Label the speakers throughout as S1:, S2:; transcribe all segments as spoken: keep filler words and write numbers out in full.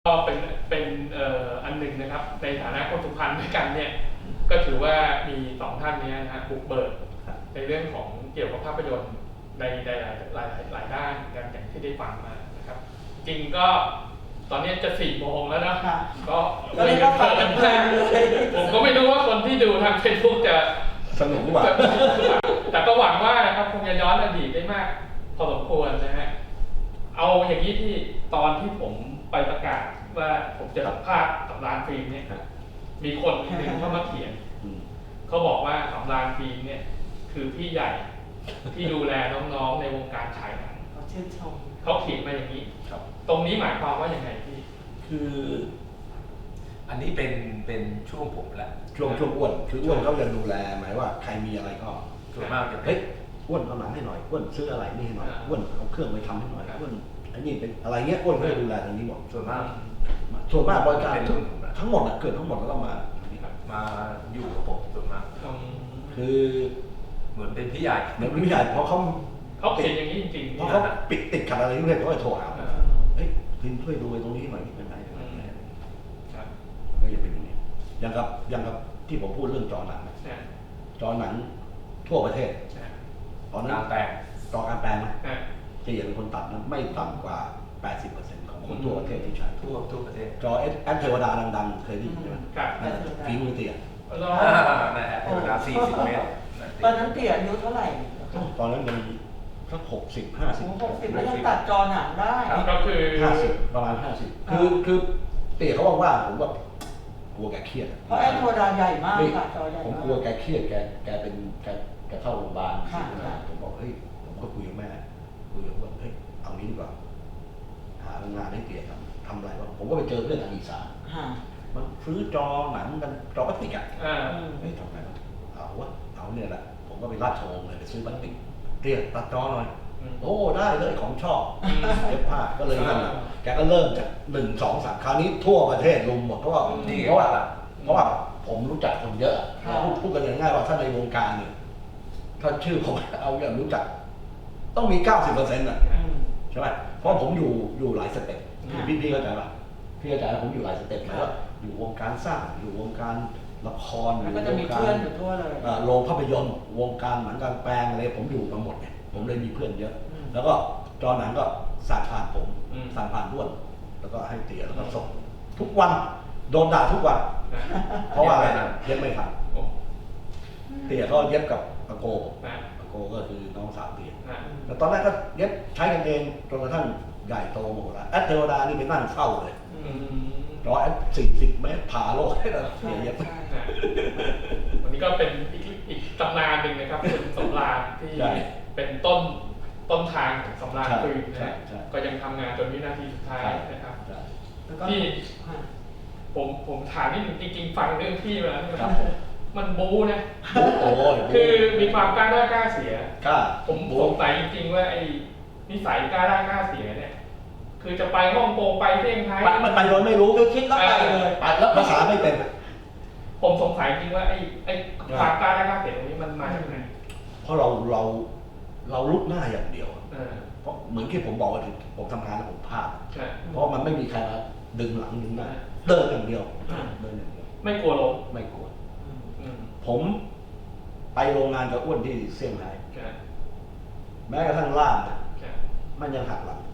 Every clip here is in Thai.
S1: ก็เป็นเป็นเอ่ออันหนึ่งนะครับในฐานะคนสุพรรณด้วยกันเนี่ยก็ถือว่ามีสองท่านนี้นะฮะบุกเบิกในเรื่องของเกี่ยวกับภาพยนตร์ในหลายหลายหลายด้านกันอย่างที่ได้ฟังมานะครับจริงก็ตอนนี้จะสี่โมงแล้วนะก็เลยกันเพลินมากผมก็ไม่รู้ว่าคนที่ดูทางเฟซบุ๊กจะ
S2: สนุกกว่า
S1: แต่ก็หวังว่านะครับคงจะย้อนอดีตได้มากพอสมควรนะฮะเอาอย่างนี้ที่ตอนที่ผมไปประกาศว่าผมจะสัมภาษณ์สำราญฟิล์มเนี่ยมีคนหนึ่งเข้ามาเขียนเขาบอกว่าสำราญฟิล์มเนี่ยคือพี่ใหญ่ที่ดูแลน้องๆในวงการฉายหนัง
S3: เขาชื่นชม
S1: เขาเขียนมาอย่างนี้ตรงนี้หมายความว่าอย่างไรพี่
S2: คืออันนี้เป็นเป็นช่วงผมแหละ
S4: ช่วงช่วงอ้วนคืออ้วนเขาจะดูแลหมายว่าใครมีอะไรก็
S2: ส่วนมากจะ
S4: เฮ้ยอ้วนเอาหนังให้หน่อยอ้วนซื้ออะไรนี่ให้หน่อยอ้วนเอาเครื่องไปทำให้หน่อยอ้วนอันนี้เป็นอะไรเงี้ยอ้วนก็จะดูแลตรงนี้หมด
S2: ส่วนมาก
S4: ส่วนมากบริการทั้งหมดเกิดทั้งหมดแล้วก็มา
S2: มาอยู่กับผมส่วนมาก
S4: คือ
S2: เหมือนเป็นพี่ใหญ่
S4: เหมือนพี่ใหญ่เพราะเขา
S1: เขาเขียนอย่างนี้จริงๆ
S4: เพราะเขาปิดติดขัดอะไรนี่เลยเขาจะโทรหาเฮ้ยพิมช่วยดูตรงนี้หน่อยเป็นไรก็จะเป็นอย่างนี้อย่างกับอย่างกับที่ผมพูดเรื่องจอหนังจอหนังทั่วประเทศ
S2: ตอนนั้นแปลง
S4: จอการแปลงนะจะเห็นคนตัดนั้นไม่ต่ำกว่า แปดสิบเปอร์เซ็นต์ ของคนทั่วประเทศที่ใช้
S2: ทั่วทั่วประเทศ
S4: จอแอปเทวดาดังๆเคยได้ยินไหมฝีมือเตี่ย
S2: นะฮะเทวดาสี่สิบเมตร
S3: ตอนนั้นเตี่ยอายุเท่าไหร่
S4: ตอนนั้นมันสักหกสิบห้าสิบ
S3: หกสิบแล้วยังตัดจอหนังได้
S1: ก็คือ
S4: ห้าสิบประมาณห้าสิบคือคือเตี่ยเขาบอกว่าผมว่ากลัวแกเครียด
S3: เพราะแอปเทวดาใหญ่มากค่ะจอใหญ่
S4: ผมกลัวแกเครียดแกแกเป็นแกแกเข้าโรงพยาบาลผมบอกเฮ้ยผมก็คุยกับแม่คุยกับว่าเฮ้ยเอางี้ดีกว่าหางานให้เตี่ยทำทำอะไรวะผมก็ไปเจอเพื่อนทางอีสานมันซื้อจอหนังกันจอพลาสติกอ่ะเฮ้ยทำไงวะเอาวะเอาเนี่ยแหละผมก็ไปราชวงศ์เลยไปซื้อพลาสติกเตี่ยตัดจอหน่อยโอ้ได้เลยของชอบเย็บผ้าก็เลยนั่นแกก็เริ่มจากหนึ่งสองสามคราวนี้ทั่วประเทศลุมหมดเพราะว่าเพราะว่าเพราะว่าผมรู้จักคนเยอะพูดพูดกันง่ายๆว่าถ้าในวงการเนี่ยถ้าชื่อผมเอาอย่างรู้จักต้องมี เก้าสิบเปอร์เซ็นต์ อ่ะใช่ไหมเพราะผมอยู่อยู่หลายสเต็ปพี่พี่เข้าใจป่ะพี่เข้าใจว่าผมอยู่หลายสเต็ปหมายว่าอยู่วงการสร้างอยู่วงการละครอยู่วงการโรงภาพยนตร์วงการหนังกลางแปลงอะไรผมอยู่มาหมดเนี่ยผมเลยมีเพื่อนเยอะแล้วก็จอหนังก็สั่งผ่านผมสั่งผ่านด้วนแล้วก็ให้เตี๋ยแล้วก็ส่งทุกวันโดนด่าทุกวันเพราะว่าอะไรนะเย็บไม่ทันเตี๋ยก็เย็บกับอาโกอาโกก็คือน้องสาวเตี๋ยแต่ตอนแรกก็เย็บใช้กันเองจนกระทั่งใหญ่โตหมดแล้วแอดเทวดานี่ไปนั่งเฝ้าเลยร้อยสี่สิบเมตรผ่าโลกให้เราเตี๋ยเย็บ
S1: วันนี้ก็เป็นอีกอีกตำนานหนึ่งนะครับคุณสำราญที่เป็นต้นต้นทางของสำราญฟิล์มนะก็ยังทำงานจนวินาทีสุดท้ายนะครับที่ผมผมถามนิดนึงจริงๆฟังเรื่องพี่มาแล้วมันบู๊นะคือมีความกล้าได้กล้าเสียผมสงสัยจริงๆว่าไอ้นิสัยกล้าได้กล้าเสียเนี่ยคือจะไปฮ่องกงไปเซี่ยงไฮ้
S4: มันไปโดยไม่รู้
S3: คือคิดแล้วไปเลย
S4: ไปแล้วภาษาไม่เป็น
S1: ผมสงสัยจริงว่าไอ้ไอ้ความกล้าได้กล้าเสียตรงนี้มันมาจากไหน
S4: เพราะเราเราเราลุกหน้าอย่างเดียวเพราะเหมือนที่ผมบอกว่าผมทำงานแล้วผมพลาดเพราะมันไม่มีใครมาดึงหลังดึงหน้าเดินอย่างเดียวเดินอย่างเดียว
S1: ไม่กลัวล้ม
S4: ไม่กลัวผมไปโรงงานกับอ้วนที่เซี่ยงไฮ้แม้กระทั่งล่ามมันยังหักหลัง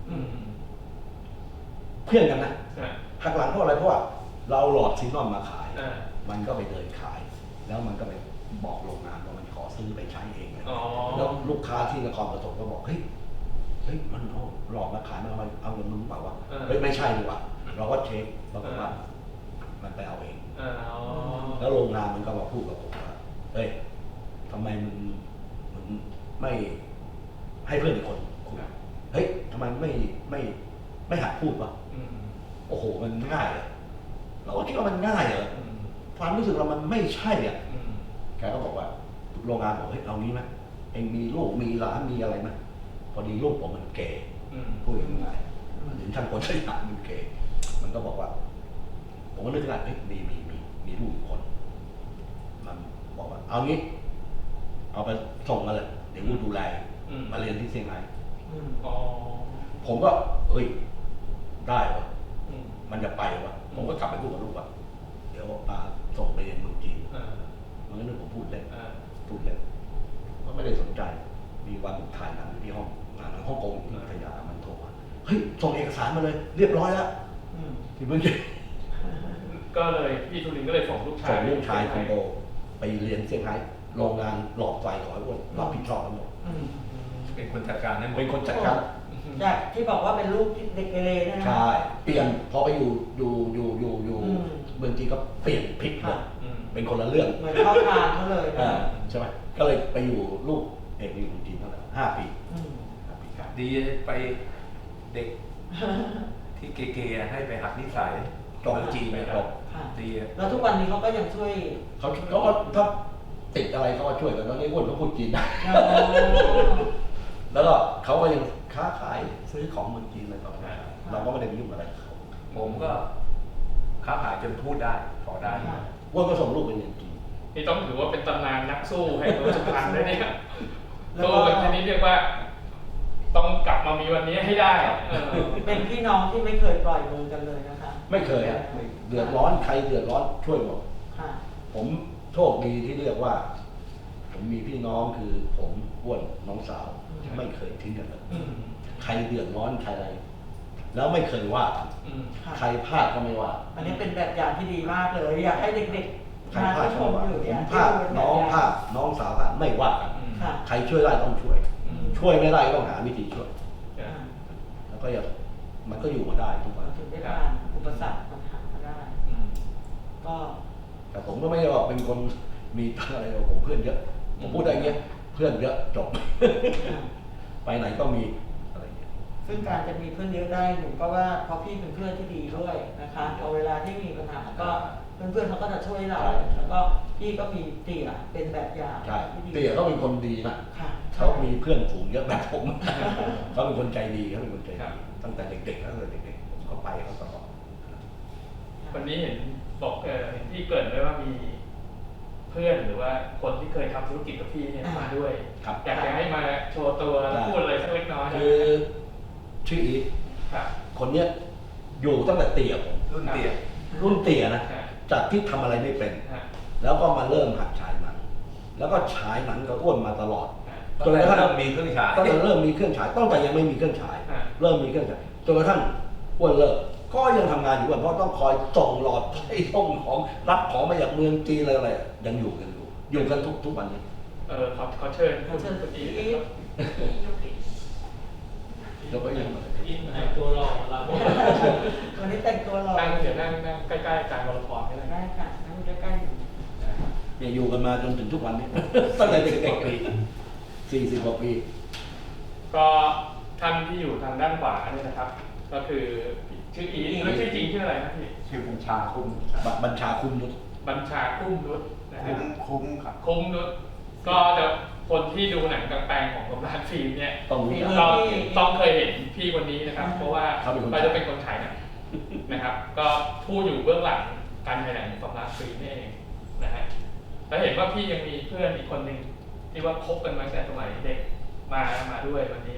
S4: เพื่อนกันนะหักหลังเพราะอะไรเพราะว่าเราหลอดซีนอมมาขายมันก็ไปเดินขายแล้วมันก็ไปบอกโรงงานว่ามันขอซื้อไปใช้เองแล้วลูกค้าที่นครปฐมก็บอกเฮ้ยเฮ้ยมันเอาหลอกมาขายมาเอาเอาเงินมึงเปล่าวะเฮ้ยไม่ใช่ดีกว่าเราก็เช็คปรากฏว่ามันไปเอาเองแล้วโรงงานมันก็มาพูดกับผมว่าเฮ้ยทำไมมึงมึงไม่ให้เพื่อนอีกคนคุยเฮ้ยทำไมไม่ไม่ไม่หัดพูดวะโอ้โหมันง่ายเลยเราก็คิดว่ามันง่ายเหรอความรู้สึกเรามันไม่ใช่อ่ะแกก็บอกว่าโรงงานบอกเฮ้ยเอางี้ไหมเองมีลูกมีหลานมีอะไรไหมพอดีลูกผมมันเก๋พูดง่ายๆถึงช่างคนใช้หลานมันเก๋มันก็บอกว่าผมก็นึกได้เฮ้ยมีมีมีมีลูกคนมันบอกว่าเอางี้เอาไปส่งมาเลยเดี๋ยวกูดูแลมาเรียนที่เซี่ยงไฮ้ผมก็เฮ้ยได้เหรอมมันจะไปวะผมก็กลับไปพูดกับลูกว่าเดี๋ยวปาส่งไปเรียนเมืองจีน
S1: อ่า
S4: มันก็นึกผมพูดเล่น
S1: อ่า
S4: พูดเล่นก็ไม่ได้สนใจมีวันผมถ่ายหนังอยู่ที่ห้องงานหนังฮ่องกงที่พัทยามันโทรมาเฮ้ยส่งเอกสารมาเลยเรียบร้อยแล้ว
S3: อืม
S4: ที่เมืองจีน
S1: ก็เลยพี่ทุลินก็เลยส่งลูกชาย
S4: ส่งลูกชายคนโตไปเรียนเซี่ยงไฮ้โรงงานหลอดไฟขอให้อ้วนรับผิดชอบทั้งหมด
S3: อืม
S2: เป็นคนจัดการให้หมด
S4: เป็นคนจัดการ
S3: จากที่บอกว่าเป็นลูกที่เด็กเกเรเนี่ยนะ
S4: ใช่เปลี่ยนพอไปอยู่อยู่อยู่อยู่อยู่
S3: อืม
S4: เมืองจีนก็เปลี่ยนพลิกหมด
S1: อืม
S4: เป็นคนละเรื่อง
S3: เหมือนเข้าทางเขาเลยนะ
S4: อ่าใช่ไหมก็เลยไปอยู่ลูกเอกอยู่เมืองจีนเท่าไหร่ห้าปี
S3: อืม
S4: ห้าปีครับ
S2: ดีไปเด็กที่เกย์ๆให้ไปหัดนิสัย
S4: จบ
S2: เมืองจีนไป
S4: จบ
S3: ค่ะ
S2: ดี
S3: แล้วทุกวันนี้เขาก็ยังช่วย
S4: เขาเขาก็ถ้าติดอะไรเขาก็ช่วยกันตอนนี้อ้วนเขาพูดจีนได้
S3: อ๋อ
S4: แล้วก็เขาก็ยังค้าขายซื้อของเมืองจีนอะไรต่อไปเราก็ไม่ได้ไปยุ่งอะไรกับเขา
S2: ผมก็ค้าขายจนพูดได้พอได้
S4: อ้วนก็ส่งลูกไปเรียนจีน
S1: นี่ต้องถือว่าเป็นตำนานนักสู้แห่งเมืองสุพรรณเลยเนี่ย
S3: แล้ว
S1: สู้
S3: ก็
S1: กันชนิดเรียกว่า ต้องกลับมามีวันนี้ให้ได้เออ
S3: เป็นพี่น้องที่ไม่เคยปล่อยมือกันเลยนะคะ
S4: ไม่เคยฮะไม่เดือดร้อนใครเดือดร้อนช่วยหมด
S3: ค่ะ
S4: ผมโชคดีที่เรียกว่า ผมมีพี่น้องคือผมอ้วนน้องสาว
S3: อืม
S4: ไม่เคยทิ้งกันเลย
S1: อืม
S4: ใครเดือดร้อนใครอะไร แล้วไม่เคยว่า
S1: อืม
S3: ค่ะ
S4: ใครพลาดก็ไม่ว่า
S3: อันนี้เป็นแบบอย่างที่ดีมากเลย อยากให้เด็ก
S4: ใคร
S3: ๆมา
S4: พลาด
S3: ที่ช
S4: ก็
S3: ม
S4: ไม่ว่า
S3: อยู่
S4: ผ
S3: เนี่ย
S4: มพลาดน้องพลาดน้องสาวพลาดไม่ว่ากัน
S1: อืม
S3: ค่ะ
S4: ใครช่วยได้ต้องช่วย
S1: อืม
S4: ช่วยไม่ได้ก็ต้องหาวิธีช่วย
S1: อ่า
S4: แล้วก็อย่ามันก็อยู่มาได้ทุกวัน
S3: ถึงได้ผ่านอุปสรรคปัญหามาได้
S1: อืม
S3: ก็
S4: แต่ผมก็ไม่ได้ว่าเป็นคนมีอะไรหรอกผมเพื่อนเยอะ ผมพูดได้เงี้ยเพื่อนเยอะจบ ไปไหนก็มีอะไรเงี้ย
S3: ซึ่งการจะมีเพื่อนเยอะได้หนูก็ว่าเพราะพี่เป็นเพื่อนที่ดีด้วยนะคะพอเวลาที่มีปัญหาก็เพื่อนๆเขาก็จะช่วยเรา
S4: ใช่
S3: แล้วก็พี่ก็มีเตี่ยเป็นแบบอย่าง
S4: ใช่
S3: ที่ดี
S4: เตี๋ยเขาเป็นคนดีนะ
S3: ค่ะ
S4: เขามีเพื่อนฝูงเยอะแบบผม เขาเป็นคนใจดีเขาเป็นคนใจ
S1: ครั
S4: ดี
S1: บ
S4: ตั้งแต่เด็กๆตั้งแต่เด็กๆผมก็ไปเขาตลอด
S1: วันนี้เห็นบอกเออเห็นพี่เกริดไว้ว่ามีเพื่อนหรือว่าคนที่เคยทำธุรกิจกับพี่เนี่ยมาด้วย
S4: ครับ
S1: อยากจะให้มาโชว์ตัวแล้วพูดอะไรสักเล็กน้อยนะ
S4: คือชื่ออีท
S1: ครับ
S4: คนเนี้ยอยู่ตั้งแต่เตี๋ยผม
S2: รุ่นเตี้ย
S4: รุ่นเตี๋ยนะ
S1: ครับ
S4: จากที่ทำอะไรไม่เป็น
S1: ฮะ
S4: แล้วก็มาเริ่มหัดฉายหนัง แล้วก็ฉายหนังกับอ้วนมาตลอด
S1: ฮะ
S2: ตอนแรกเริ่มมีเครื่องฉาย
S4: ตั้งแต่เริ่มมีเครื่องฉายตั้งแต่ยังไม่มีเครื่องฉาย
S1: ฮะ
S4: เริ่มมีเครื่องฉายจนกระทั่งอ้วนเลิกก็ยังทำงานอยู่อ้วนเพราะต้องคอยส่งหลอดไฟส่งของรับของมาจากเมืองจีนอะไรอะไรยังอยู่กันอยู่อยู่กันทุกทุกวันนี้
S1: เออขอขอเชิญ
S3: ขอเชิญ
S1: คุณอี
S3: อี
S1: ท
S3: ท
S4: แล้วก็ยัง
S5: อินแต่งตัวหล่อเรา
S3: วันนี้แต่งตัวหล่อ
S1: นั่งเดี๋ยวนั่งนั่งใกล้ๆอาจารย์วรพรก็ได้
S3: ได้ค่ะนั่งใกล้ๆอยู่
S4: เนี่ยอยู่กันมาจนถึงทุกวันนี้ ตั้งแต่เด็กๆสี่สิบกว่าปี
S1: ก็ท่านที่อยู่ทางด้านขวาเนี่ยนะครับ ก็คือชื่ออีทแล้วชื่อจริงชื่ออะไรนะพี่
S2: ชื่อบัญชาคุ้ม
S4: บบัญชาคุณนุช
S1: บัญชาคุ้มนุชนะครั
S2: คุ้
S1: บ
S2: มคุ้มครับ
S1: คุ้มนุชก็จะคนที่ดูหนังกลางแปลงของผมร้านฟิล์มเนี่ย
S4: ต้องรู้จัก
S1: ก็ต้องเคยเห็นพี่คนนี้นะครับ เพราะว่า
S4: เขาเป็นคน
S1: เขาจะเป็นคนฉายหนังนะครับ ก็ผู้อยู่เบื้องหลังการถ่ายหนังของร้านฟิล์มนี่เองนะฮะแล้วเห็นว่าพี่ยังมีเพื่อนอีกคนหนึ่งที่ว่าคบกันมาตั้งแต่สมัยเด็กมามาด้วยวันนี้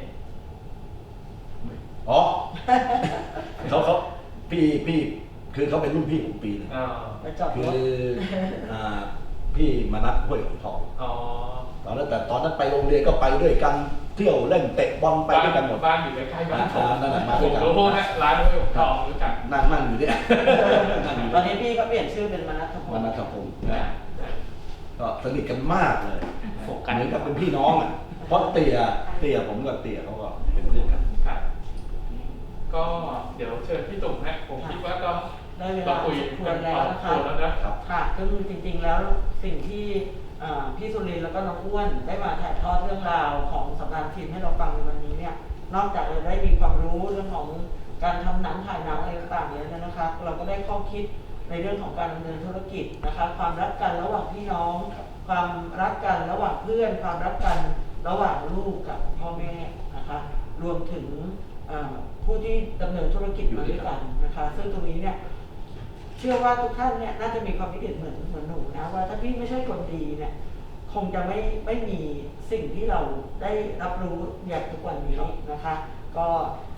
S4: อ๋อ เขาเขาพี่พี่คือเขาเป็นรุ่นพี่ผมปีหนึง
S1: อ๋อ
S3: ไปจอด
S4: คื
S3: ร
S4: อ
S3: ถ
S4: อ่าพี่มนัสห้วยหงทอง
S1: อ๋อ
S4: ตอนนั้นแต่ตอนนั้นไปโรงเรียนก็ไปด้วยกันเที่ยวเล่นเตะบอลไปด้วยกันหมด
S1: บ้านอยู่ใกล้ๆบ้านผม
S4: อ่านั่นแหละมาด้
S1: ผ
S4: วย
S1: ม
S4: กัน
S1: รู้นะร้านห้วยหงทองรู้จัก
S4: นั่งนั่งอยู่เนี่ย นั่งอยู่
S3: ตอนนี้พี่ก็เปลี่ยนชื่อเป็นมนัสพ
S4: ม
S3: ง
S4: นั
S3: ศ์
S4: สพงศ์
S1: นะ
S4: ก็สนิทกันมากเลยเหมือนกับเป็นพี่น้องอ่ะเพราะเตี่ยเตี่ยผมกับเตี่ยเขาก็เป็นเพื่อนกัน
S1: ครับก็เดี๋ยวเชิญพี่ตุ่มฮะผมคิดว่าก็
S3: ได้เว
S1: เรา
S3: ลา
S1: คุย
S3: สมคว
S1: กั
S3: ร
S1: น
S3: แล้
S1: พ
S3: ว
S1: อสม
S3: นะ
S1: ค
S3: คะ
S1: วรแล้วนะครับ
S3: ค่ะก็คือจริงๆแล้วสิ่งที่อ่าพี่สุรินทร์แล้วก็น้องอ้วนได้มาถ่ายทอดเรื่องราวของสำนักพิมพ์ให้เราฟังในวันนี้เนี่ยนอกจากเราได้มีความรู้เรื่องของการทำหนังถ่ายหนังอะไรต่างๆแล้วนะคะเราก็ได้ข้อคิดในเรื่องของการดำเนินธุรกิจนะคะความรักกันระหว่างพี่น้อง ความรักกันระหว่างเพื่อน ความรักกันระหว่างลูกกับพ่อแม่นะคะรวมถึงอ่าผู้ที่ดำเนินธุรกิจมาด้วยกันนะคะซึ่งตรงนี้เนี่ย เชื่อว่าทุกท่านเนี่ยน่าจะมีความคิดเห็นเหมือนเหมือนหนูนะว่าถ้าพี่ไม่ใช่คนดีเนี่ยคงจะไม่ไม่มีสิ่งที่เราได้รับรู้อย่างทุกวันนี้นะคะ ก็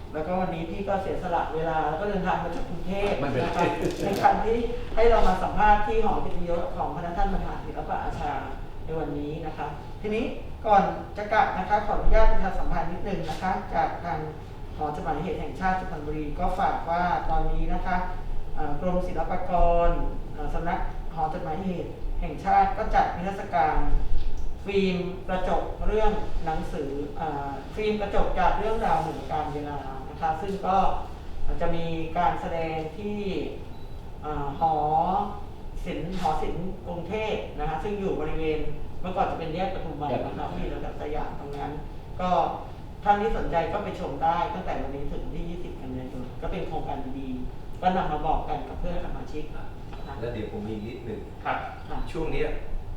S3: แล้วก็วันนี้พี่ก็เสียสละเวลาแล้วก็เดินทางมาจากกรุงเทพ
S4: ไม่เป็นไร
S3: นะครับในการที่ให้เรามาสัมภาษณ์ที่หอกิตติยศของพระท่านประธานศิลปอาชาในวันนี้นะคะ ทีนี้ก่อนจะกลับนะคะขออนุญาตประชาสัมพันธ์นิดนึงนะคะ จากทางหอจดหมายเหตุแห่งชาติสุพรรณบุรีก็ฝากว่าตอนนี้นะคะเอ่อกรมศิลปากรเอ่อสำนักหอจดหมายเหตุแห่งชาติก็จัดนิทรรศการฟิล์มกระจกเรื่องหนังสือเอ่อฟิล์มกระจกจากเรื่องราวเหมือนการเวลานะคะซึ่งก็จะมีการแสดงที่เอ่อหอศิลป์หอศิลป์กรุงเทพนะคะซึ่งอยู่บริเวณเมื่อก่อนจะเป็นแยกปทุมวันนะคะที่ระดับสยามตรงนั้นก็ท่านที่สนใจก็ไปชมได้ตั้งแต่วันนี้ถึงที่ยี่สิบกันยายนก็เป็นโครงการดีๆก็นำมาบอกกันกับเพื่อนสมาชิกนะคะ
S2: แล้วเดี๋ยวผมมีนิดหนึ่ง
S1: ครับ
S3: ค่ะ
S2: ช่วงเนี้ย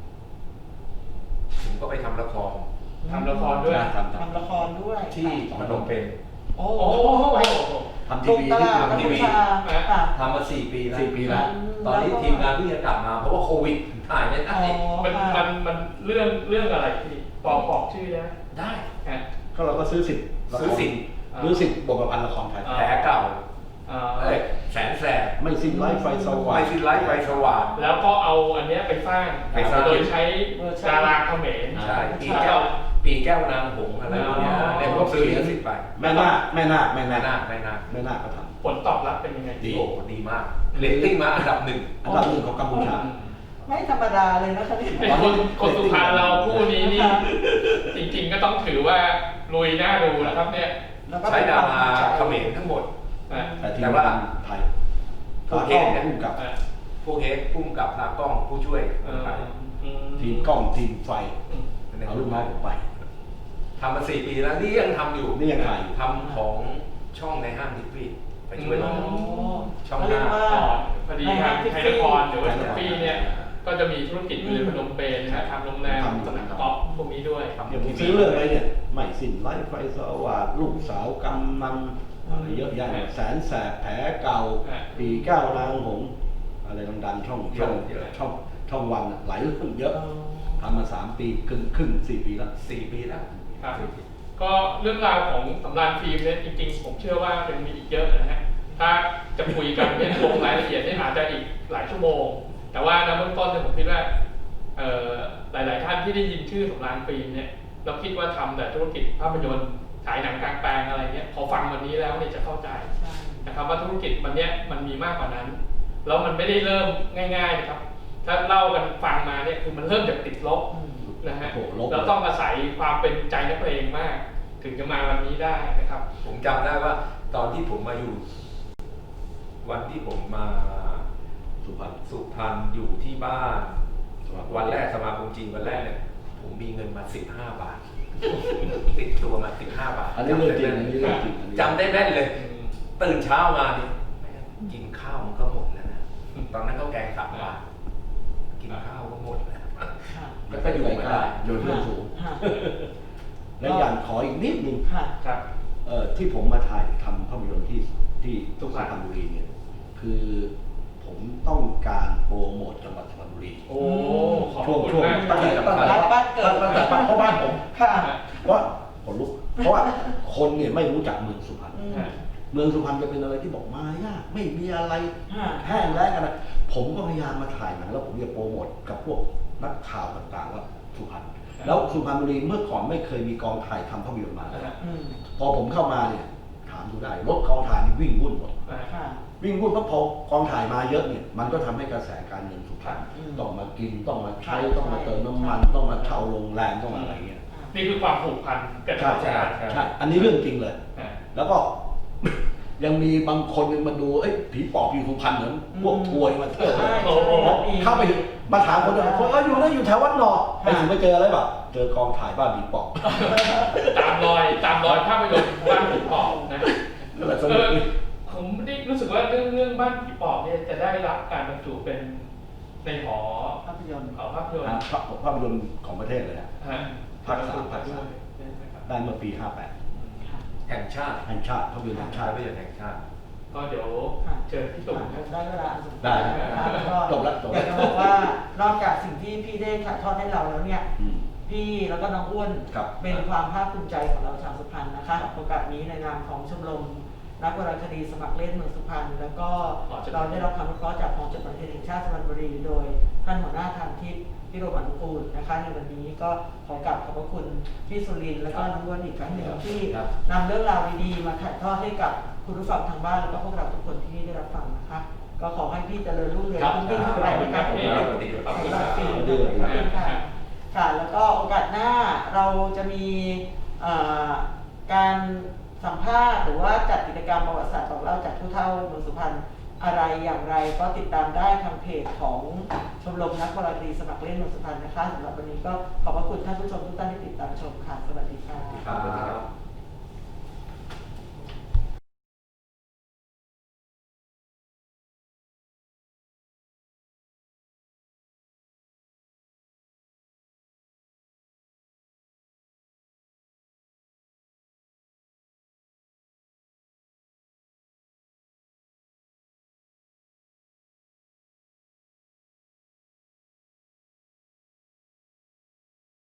S2: ผมก็ไปทำละคร
S1: ทำละครด้วย
S4: ทำท
S3: ทำละครด้วย
S2: ที่พนมเปญ
S3: โอ้
S1: โอ้
S3: โห
S1: โห
S4: ำทำที
S3: ถูก
S4: วี
S3: ต
S4: ที่
S3: ลาด
S4: ทำ
S3: กัม
S4: ที
S3: พู
S4: วี
S3: ชาค่ะ
S2: ทำมาสี่ปีแล้ว
S4: สี่ปีแล้ว
S2: ตอนนี้ทีมงานเพิ่งจะกลับมาเพราะว่าโควิดถ่ายไม่ได้
S3: อ๋อ
S1: มัน
S3: ค่ะ
S1: มันมันเรื่องเรื่องอะไรพี่บอกบอกชื่อได้ไหม
S2: ได้
S1: ฮะ
S4: ก็เราก็ซื้อสิทธิ์
S2: ซื้อสิทธิ์
S4: ซื้อสิทธิ์บทประพันธ์ละครไทย
S1: อ่า
S2: แผลเก่า
S1: อ่า
S2: เอ้ยแสนแสบ
S4: ไม่สิ้นไร้ไฟสว่าง
S2: ไม่สิ้นไร้ไฟสว่าง
S1: แล้วก็เอาอันเนี้ยไปสร้าง
S2: ไปสร้าง
S1: โดยใช้ดาราเขมร
S2: ใช่ปีแก้วปีแก้วนางหงส์อะไรพวกเนี้ย
S1: อ๋อ
S2: เนี่ยผมซื้อลิขสิทธิ์ไป
S4: แม่นาคแม่นาคแม่
S2: ไม่
S4: นา
S2: น่า
S4: ค
S2: ไม่น่า
S4: แม่นาคก็ท
S1: ผลตอบรับเป็นยังไง
S2: ดีโอ้โหดีมากเรตติ้งมาอันดับหนึ่ง
S4: ำอันดับหนึ่งของกัมพูชา
S3: ไม่ธรรมดาเลยนะคะเนี่ย
S1: เป็นคนคนสุพรรณเราคู่นี้นี่ จริงๆก็ต้องถือว่าลุยหน้าดูนะครับเนี่ย
S3: แล้วก็
S2: ใช้ดารา
S3: ป็นควม
S2: เขมรทั้งหมด
S1: อ่ะ
S4: แต่ที
S2: แต่
S4: ม
S2: ว่า
S4: งานไทย
S2: โอ
S4: ตา
S2: เค
S4: กล้อง
S2: เนี่ย
S4: ผู้กำกับ
S1: อ่ะ
S2: พวกเฮดพุ่มกับตากล้องผู้ช่วย
S1: เอ
S2: คน
S1: อ
S2: ไทย
S1: อืม
S4: ทีมกล้องทีมไฟ
S1: อืม
S4: เอาลูกน้องผมไป
S2: ทำมาสี่ปีแล้วนี่ยังทำอยู่
S4: นี่ยังถ่ายอยู่
S2: ทำของช่องในห้างทิฟฟี่ไปช่วย
S1: อื
S2: น้อง
S1: ม
S2: ช่อง
S3: เขาเรียก
S2: ห้า
S3: ว่า
S1: ก่อนพอดีทางไทยนครหรือว่า
S4: ไทยน
S1: ทิ
S4: คร
S1: ฟฟี่เนี่ย ก็จะมีธุรกิจอยู่ในพนมเปญนะฮะทำโรงแรมสนามกอล์ฟพวกนี้ด้วย
S2: ทำ
S4: เดี๋ยวผมซื้อเรื่องอะไรเนี่ยไม่สิ้นไร้ไฟสว่างลูกสาวกำนันอะไรเยอะแยะแสนแสบแผลเก่า
S1: อ่ะ
S4: ปีเก้านางหงส์อะไรดังๆช่องช่องช่องช่องวันอะหลายเรื่องเยอะทำมาสามปีครึ่งครึ่งสี่ปีแล้ว
S2: สี่ปีแล้ว
S1: ครับ ก็เรื่องราวของสำราญฟิล์มเนี่ยจริงๆ ผมเชื่อว่ายังมีอีกเยอะนะฮะ ถ้าจะคุยกันเนี่ยลงรายละเอียดเนี่ยอาจจะอีกหลายชั่วโมง แต่ว่าในเบื้องต้นเนี่ยผมคิดว่าเอ่อหลายๆท่านที่ได้ยินชื่อสำราญฟิล์มเนี่ยเราคิดว่าทำแต่ธุรกิจภาพยนตร์ฉายหนังกลางแปลงอะไรเนี่ยพอฟังวันนี้แล้วเนี่ยจะเข้าใจ
S3: ใช่
S1: นะครับว่าธุรกิจมันเนี้ยมันมีมากกว่านั้นแล้วมันไม่ได้เริ่มง่ายๆนะครับ ถ้าเล่ากันฟังมาเนี่ยคือมันเริ่มจากติดลบ
S3: อืม
S1: นะฮะ
S4: โอ้โหลบ
S1: เราต้องอาศัยความเป็นใจนักเลงมาก ถึงจะมาวันนี้ได้นะครับ
S2: ผมจำได้ว่าตอนที่ผมมาอยู่ วันที่ผมมา
S4: สุพรรณ
S2: สุพรรณอยู่ที่บ้าน วันแรกสมาคมจีนวันแรกเนี่ยผมมีเงินมาสิบห้าบาท ติดตัวมาสิบห้าบาท
S4: อันนี้เรื่องจริงอันนี้เรื่องจริงอันนี้
S2: จำได้แม่นเลย ตื่นเช้ามาเนี่ยแม่งกินข้าวมันก็หมดแล้วนะตอนนั้นก็แกงสามบาทกินข้าวก็หมดแล้ว
S3: ค่ะ
S2: แล้วก็อยู่มาได้
S4: โยนเรื่องสูง
S3: ค่ะ
S4: และอย่างขออีกนิดนึง
S3: ค่ะ
S1: ครับ
S4: เอ่อที่ผมมาถ่ายทำภาพยนตร์ที่ที่
S1: สุ
S4: สุ
S1: พ
S4: พ
S1: ร
S4: ร
S1: ร
S4: ร
S1: ณ
S4: ณบุรีเนี่ยคือผมต้องการโปรโมทจังหวัดสุพรรณบุรี
S1: โอ้ขอบ
S4: ช่วง
S1: คุณ
S4: ช่วง
S1: มาก
S4: ตั้งแต่
S1: ครับ
S4: ตั้งแต่
S3: บ้านเกิด
S4: ตั้งแต่เพราะบ้านผม
S3: ค่ะ
S4: เพราะขนลุกเพราะว่าคนเนี่ยไม่รู้จักเมืองสุพรรณ
S3: อืม
S1: ฮะ
S4: เมืองสุพรรณจะเป็นอะไรที่บอกมายากไม่มีอะไร
S3: ค่ะ
S4: แห้งแล้งกันนะผมก็พยายามมาถ่ายหนังแล้วผมจะโปรโมทกับพวกนักข่าวต่างๆว่าสุพรรณแล้วสุพรรณบุรีเมื่อก่อนไม่เคยมีกองถ่ายทำภาพยนตร์มา
S1: นะฮะ
S3: อืม
S4: พอผมเข้ามาเนี่ยถามดูได้รถกองถ่ายนี่วิ่งวุ่นหมด
S1: นะฮะ
S3: ค่ะ
S4: วิ่งวุ่นเพราะพอกองถ่ายมาเยอะเนี่ยมันก็ทำให้กระแสการเงินสุพรรณ
S3: อืม
S4: ต้องมากินต้องมาใช้
S3: ใช่
S4: ต้องมาเติมน้ำมัน
S3: ใช่
S4: ต้องมาเช่าโรงแรมต้องมาอะไรเงี้ย
S1: นี่คือความผูกพันกัน
S4: ใช่
S1: ใช่
S4: ใช่
S1: ไหม
S4: ใช่อันนี้เรื่องจริงเลย
S1: ฮะ
S4: แล้วก็ ยังมีบางคนมาดูเอ้ยผีปอบอยู่สุพรรณเหมือนพวกทัวร์มาเที่ยว
S3: ใช่
S1: โอ้โห
S4: เข้าไปมาถามคนอื่นคนเอออยู่นั่นอยู่แถววัดหนอไปถึงไปเจออะไรแบบเจอกองถ่ายบ้านผีปอบ
S1: ตามรอยตามรอยภาพยนตร์บ้านผีปอบนะ
S4: นั่นแหละส
S1: เอ
S4: นุก
S1: อ
S4: ดี
S1: ผมไม่ได้รู้สึกว่าเรื่องเรื่องบ้านผีปอบเนี่ยจะได้รับการบรรจุเป็นในหอ
S3: ภาพยนตร์
S1: หอภาพยนต
S4: อ่ะ
S1: ร์
S4: ภาพภาพยนตร์ของประเทศเลยนะ
S1: ฮะ
S4: ภาคสามภาคสาม
S1: ได้ไหมครับ
S4: ได้เมื่อปีห้าแปด
S3: ค่ะ
S2: แห่งชาติ
S4: แห่งชาติภาพยนตร์แห่ง
S2: ชา
S4: ชา
S2: ติ
S4: ติ
S2: ประโยชน์แห่งชาติ
S1: ก็เดี๋ยวเชิญพี่ตุ่มครับ
S3: ได้เวลาอันสมควร
S4: ได้
S3: นะคะแล้วก็
S4: จบแล้วจบ
S3: อ
S4: แล้ว
S3: ยากจะบอกว่านอกจากสิ่งที่พี่ได้ถ่ายทอดให้เราแล้วเนี่ย
S4: อืม
S3: พี่แล้วก็น้องอ้วน
S4: ครับ
S3: เป็นความภาคภูมิใจของเราชาวสุพรรณนะคะโอกาสนี้ในนามของชมรมนักวรรณคดีสมัครเล่นเมืองสุพรรณแล้วก็เราได้รับคำอนุเคราะห์จากกองจดหมายเหตุแห่งชาติสุพรรณบุรีโดยท่านหัวหน้าทางทิพย์พิโรมอนุกูลนะคะในวันนี้ก็ขอกราบขอบพระคุณพี่สุรินทร์และก็น้องอ้วนอีกครั้งหนึ่งที่นำเรื่องราวดีๆมาถ่ายทอดให้กับคุณผู้ฟังทางบ้านแล้วก็พวกเราทุกคนที่ได้รับฟังนะคะก็ขอให้พี่เจริญรุ่งเรืองยิ่งยิ่งขึ้นไปนะคะขอบคุณค่ะขอบคุณค่ะค่ะแล้วก็โอกาสหน้าเราจะมีการสัมภาษณ์หรือว่าจัดกิจกรรมประวัติศาสตร์บอกเล่าจากผู้เฒ่าเมืองสุพรรณอะไรอย่างไรก็ติดตามได้ทางเพจของชมรมนักวรรณคดีสมัครเล่นเมืองสุพรรณนะคะสำหรับวันนี้ก็ขอบพระคุณท่านผู้ชมทุกท่านที่ติดตามชมค่ะสวัสดีค่ะ
S2: ครับ